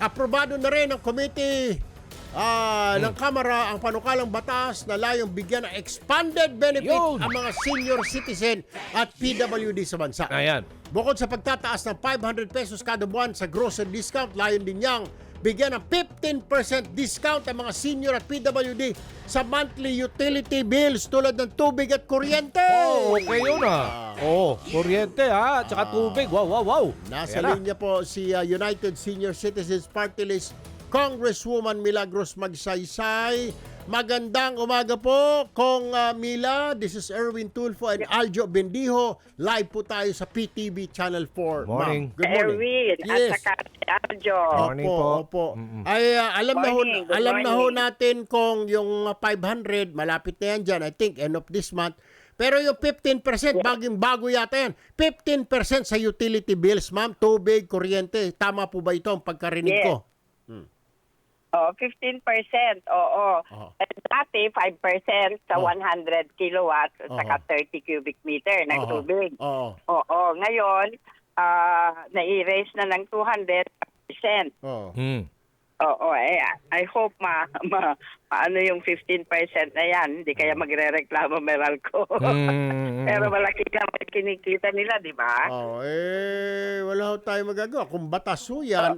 Aprobado na rin ng committee ng Kamara ang panukalang batas na layong bigyan ng expanded benefit Yun. ang mga senior citizen at PWD sa bansa. Ayan. Bukod sa pagtataas ng 500 pesos kada buwan sa grocery discount, layon din niyang bigyan ng 15% discount ang mga senior at PWD sa monthly utility bills tulad ng tubig at kuryente. Oh, okay yun kuryente at saka tubig. Wow. Nasa Ayan na. linya po si United Senior Citizens Party List Congresswoman Milagros Magsaysay. Magandang umaga po, Kong Mila. This is Erwin Tulfo and Aljo Bendijo. Live po tayo sa PTV Channel 4. Morning. Ma'am. Good morning. Erwin Yes. at saka si Aljo. Morning po. Opo. Ay, alam Morning, good na ho morning. natin kung yung 500, malapit na yan dyan, I think, end of this month. Pero yung 15%, bagong-bago yata yan. 15% sa utility bills, ma'am. Tubig, kuryente. Tama po ba ito ang pagkarinig Yes. ko? 15%. Oo. Dati, 5% sa 100 kilowatts at saka 30 cubic meter ng tubig. Oo. Oo. Ngayon, nai-raise na ng 200%. Oo. Oo. I hope ano yung 15% na yan. Hindi kaya magre-reklamo Meralco. Pero malaki naman kinikita nila, di ba? Wala ho tayo magagawa. Kung batas ho yan,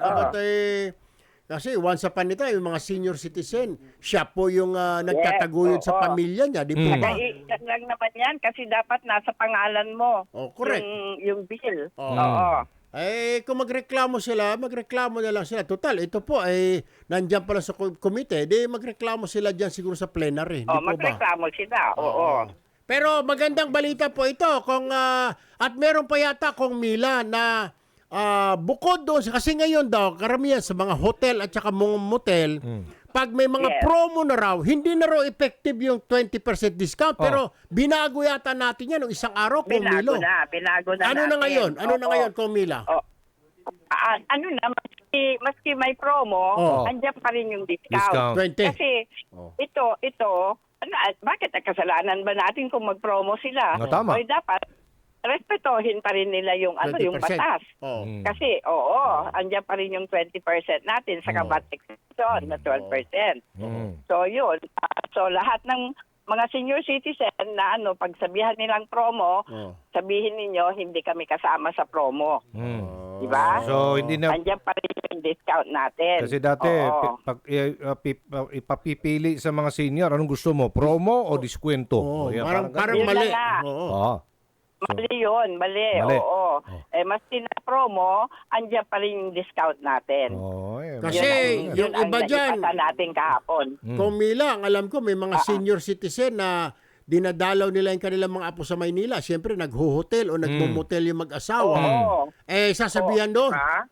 kasi once upon a time, yung mga senior citizen, siya po yung nagtataguyod sa pamilya niya, di po ba? Yan lang naman yan kasi dapat nasa pangalan mo. Oh, correct. Yung bill. Oo. Oo. Kung magreklamo na lang sila. Total, ito po ay nandiyan pala sa komite, magreklamo sila diyan siguro sa plenary, di po ba? Magreklamo sila. Oo. Pero magandang balita po ito at meron pa yata Kong Mila na bukod doon, kasi ngayon daw, karamihan sa mga hotel at saka mga motel, pag may mga promo na raw, hindi na raw effective yung 20% discount, pero binago yata natin yan ng isang araw, Kong Milo. Binago na Ano natin. na ngayon? Ano na ngayon, Kong Mila? Ano na, maski may promo, andyan pa rin yung discount. 20. Kasi ito, bakit kasalanan ba natin kung mag-promo sila? Tama. O dapat, respetohin pa rin nila yung 20%. yung batas. Kasi andyan pa rin yung 20% natin sa VAT exemption na 12%. So yun. So lahat ng mga senior citizen na pagsabihan nilang promo, sabihin ninyo hindi kami kasama sa promo. Di ba? So hindi na Andyan pa rin yung discount natin. kasi dati pag ipapipili sa mga senior, anong gusto mo? Promo o diskwento? Parang Yun mali. na nga. Oo. Mali yun, mali. Oo. Maski na promo, andyan pa rin yung discount natin. Kasi yung iba dyan, natin kahapon. Kung Mila, ang alam ko, may mga senior citizen na dinadalaw nila yung kanilang mga apo sa Maynila. Siyempre, nagho-hotel o nagmumotel yung mag-asawa. Sasabihan doon,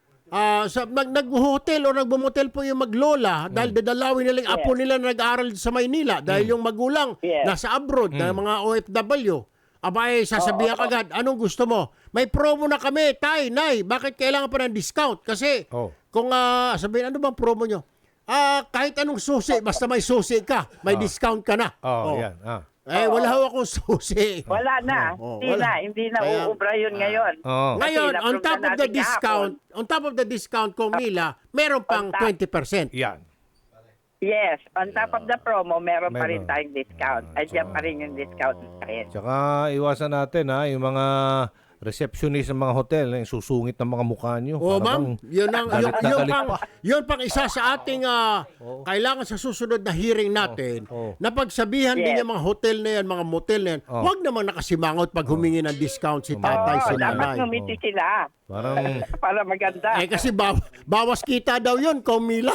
nag-hotel o nagmumotel po yung maglola dahil dadalawin nila yung apo nila na nag-aaral sa Maynila dahil yung magulang nasa abroad na mga OFW. Abay, sasabihan agad, anong gusto mo? May promo na kami, tay, nay, bakit kailangan pa ng discount? Kasi kung sabihin, ano bang promo nyo? Kahit anong susi, basta may susi ka, may discount ka na. Yan. Wala ho akong susi. Wala na. Hindi na uubra yun ngayon. Ngayon, Kasi on top na-approve of the natin discount, Kong Mila, meron pang 20%. Yan. Yes, on top of the promo, meron pa rin tayong discount. Andiyan pa rin yung discount natin. Tsaka iwasan natin yung mga receptionist ng mga hotel, yung susungit ng mga mukha nyo. Ma'am, yun pang isa sa ating kailangan sa susunod na hearing natin na pagsabihan din yung mga hotel na yan, mga motel na yan, huwag naman nakasimangot pag humingi ng discount si tatay, si nanay. Dapat ngumiti sila. Para maganda. Kasi bawas kita daw yun, Kong Mila.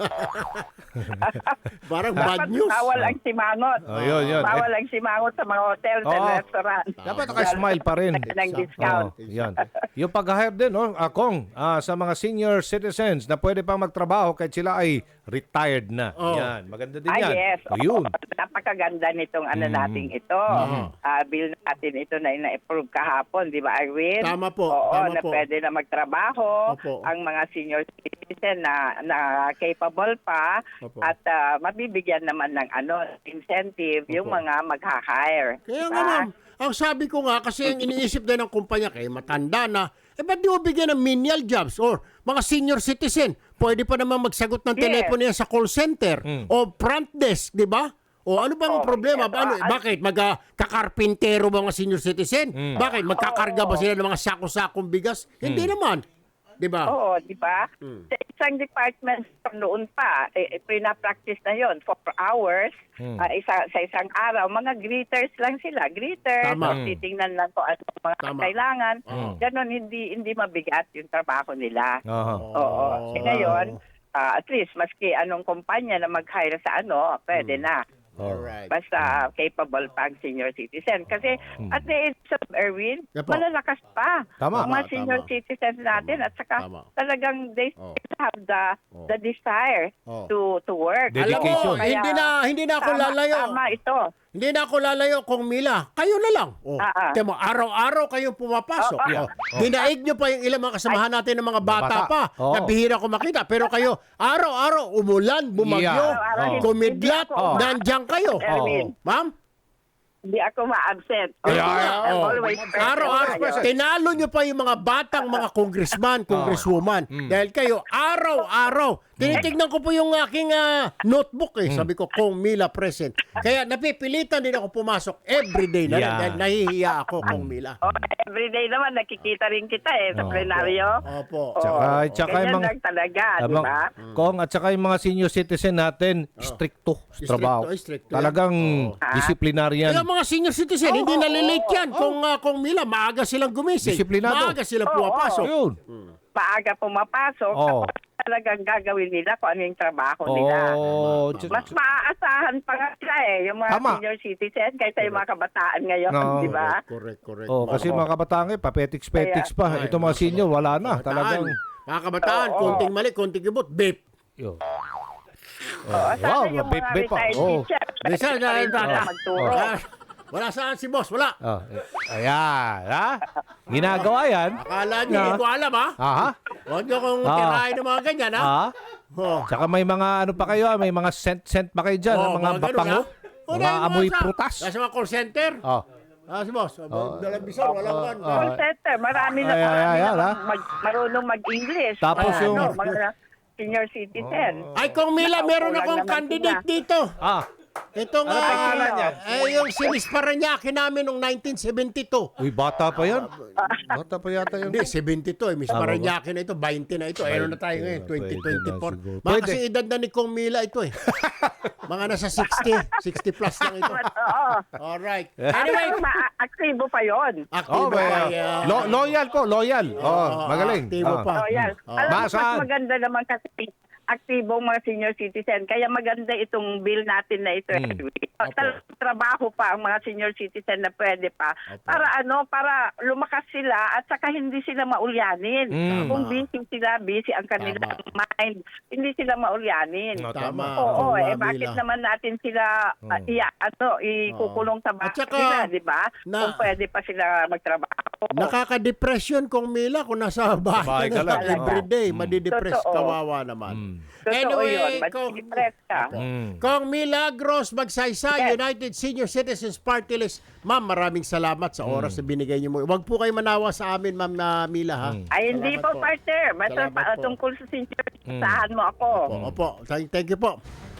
Parang bad news. Bawal ang simangot. Yun. Bawal ang simangot sa mga hotel and restaurant. Dapat naka-smile pa rin. Ng discount. Yan. Yung pag-hire din, Kong, sa mga senior citizens na pwede pang magtrabaho kahit sila ay retired na. Yan. Maganda din yan. Yes. Yun. Napakaganda nitong nating ito. Bill natin ito na ina-approve kahapon, di ba, Arwin? Tama po. Oo, pwede na magtrabaho ang mga senior citizen na capable pa at mabibigyan naman ng incentive yung mga magha-hire. Kaya nga, ma'am, ang sabi ko nga, kasi ang iniisip din ng kumpanya, kaya matanda na, ba't di mo bigyan ng menial jobs or mga senior citizen? pwede pa naman magsagot ng Yes. telepono yan sa call center o front desk, di ba? O ano bang problema? Bakit? Magkakarpintero ba mga senior citizen? Bakit? Magkakarga ba sila ng mga sako-sakong bigas? Hindi naman. Di ba? Oo, di ba? Sa isang department noon pa, pina-practice na yon 4 hours sa isang araw. Mga greeters lang sila. Greeters, Tama. titingnan lang kung ano mga Tama. kailangan. Ganon, hindi mabigat yung trabaho nila. Aha. Oo. Ngayon, at least, maski anong kumpanya na mag-hire sa pwede na. Alright. Basta capable pa ang senior citizen. Kasi at the age of Erwin, Yeah po. malalakas pa Tama. ang mga Tama, senior tama. citizens natin. At saka Tama. talagang they have the desire Oh. to work. Alam mo, Dedication. hindi na ako lalayo. Tama ito. Hindi na ako lalayo kung Mila. Kayo na lang. Tingnan mo, araw-araw kayong pumapasok. Dinaig nyo pa yung ilang mga kasamahan natin ng mga bata Bata. pa. Oo. Na bihira ko makita. Pero kayo, araw-araw, umulan, bumagyo, Yeah. Araw-araw, kumidlat, hindi ako- nandiyan kayo. Erwin. Ma'am? Hindi ako ma-absent. Yeah, I'm oh. always present. Araw-araw, Ayun. tinalo nyo pa yung mga batang mga congressman, congresswoman. Dahil kayo, araw-araw, tinitignan ko po yung aking notebook Sabi ko, Kong Mila present. Kaya napipilitan din ako pumasok everyday na Yeah. dahil nahihiya ako, Kong Mila. Everyday naman, nakikita rin kita sa plenaryo. Opo. Tsaka yung Ganyan mga... lang talaga, di ba? Kong, at saka yung mga senior citizen natin, stricto sa trabaho. Stricto yan. Talagang disciplinarian. Kaya mga senior citizen, hindi nalilate yan. Kung Mila, maaga silang gumising. Disiplinado. Maaga silang pumapasok. Yun. Maaga pumapasok, Oo. tapos talagang gagawin nila kung ano yung trabaho nila. Oh, Mas maaasahan pa nga sila yung mga Tama. senior citizen kaysa yung mga kabataan ngayon, No. di ba? Correct. oh, kasi mga kabataan papetiks-petiks pa. Ito mga senior, wala na. Talagang... Mga kabataan, konting mali, konting ibot, babe. Yun. Sana wow, yung babe, mga babe pa. retired Oh. teacher, Bisa na rin sila magturo. Wala saan si boss, wala. Oh, ayan, ha? Ginagawa yan. Akala niyo, hindi ko alam, ha? Aha. Huwag niyo kong tirahin ng mga ganyan, ha? Ha? Oh. Tsaka may mga ano pa kayo, may mga scent pa kayo dyan, Oh, mga ganun, bapango, ha? O, mga dahil amoy sa- prutas. Nasa mga call center. Oh. Si boss, dalang bisor, walang kan. Call center, marami na Ayan, ha? marunong mag-English. Tapos yung- mga senior citizen. Ay, Kong Mila, meron Kulang akong naman candidate sila. dito. Ah. Itong, Ano pangalan niya? yung sinis Paranaque namin noong 1972. Uy, bata pa yan. Bata pa yata yun. Hindi, 72 Miss Tama ba? Paranaque na ito, 20 na ito. Ano na tayo ngayon, Pwede na 2024. siguro. Mga Pwede. kasi edad na ni Kong Mila ito eh. Mga nasa 60 plus lang ito. Oo. Alright. Anyway, Anyway, aktibo pa yon. active Oh, loyal ko, loyal. Oh, magaling. Aktibo pa. Oh, yan. Alam mo, mas Masaan? maganda naman kasi aktibong mga senior citizen. Kaya maganda itong bill natin na ito. Trabaho pa ang mga senior citizen na pwede pa. Para para lumakas sila at saka hindi sila maulyanin. Kung busy ang kanilang mind, hindi sila maulyanin. Tama. Oo, Kong bakit Mila. naman natin sila ikukulong sa bahay At saka, nila, di ba? na- Kung pwede pa sila magtrabaho. Nakaka-depression Kong Mila kung nasa bahay Bahay ka ka na lang lang. everyday. Madidepress, Totoo. kawawa naman. Totoo yun. Kong, Mag-depress ka. Kong Milagros Magsaysay, United Senior Citizens Party List. Ma'am, maraming salamat sa oras na binigay niyo mo. Huwag po kayo manawa sa amin, Ma'am Mila, ha? Ay, hindi Salamat po, partner. Basta Salamat po. tungkol sa senior, sahan mo ako. Opo. Thank you po.